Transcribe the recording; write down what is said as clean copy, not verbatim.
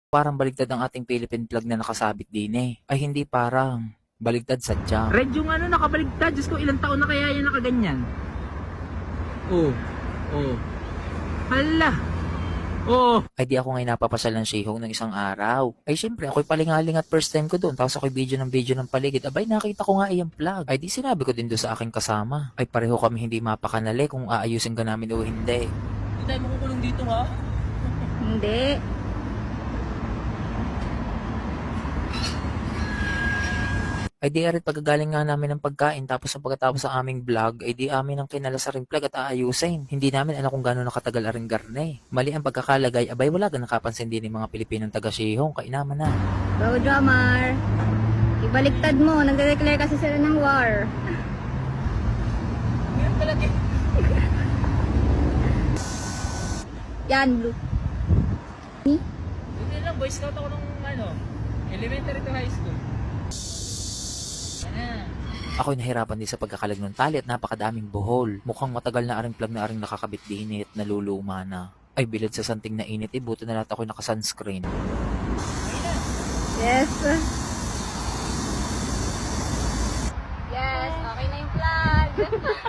Parang baligtad ang ating Philippine flag na nakasabit din eh. Ay hindi parang. Baligtad sadya. Red yung ano, nakabaligtad. Diyos ko, ilang taon na kaya yan nakaganyan? Oh. Oh. Hala. Oh. Ay di ako ngayon napapasal ng Shihong ng isang araw. Ay syempre ako'y palingaling at first time ko doon. Tapos ako'y video ng paligid. Abay nakita ko nga iyang flag. Ay di sinabi ko din doon sa aking kasama. Ay pareho kami hindi mapakanali kung aayusin ka namin o hindi. Hindi tayo makukulong dito ha? Hindi. Ay di arit pagkagaling nga namin ng pagkain tapos sa pagkatapos sa aming vlog ay di amin ang kinala sa ring flag at aayusin. Hindi namin alam kung gano'n nakatagal aring garne. Mali ang pagkakalagay, abay wala ka nakapansin din ng mga Pilipinong taga Shihong, kainaman na. Go, drummer. Ibaliktad mo. Nagde-declare kasi sila ng war. Ngayon talaga. Yan, blue. Hindi lang, boy scout ako nung ano, elementary to high school. Ako'y nahirapan din sa pagkakalag ng tali at napakadaming buhol. Mukhang matagal na aring plug na aring nakakabit din at naluluma na. Ay bilad sa santing na init, buti na lahat ako'y nakasunscreen. Yes. Yes, okay na yung flag.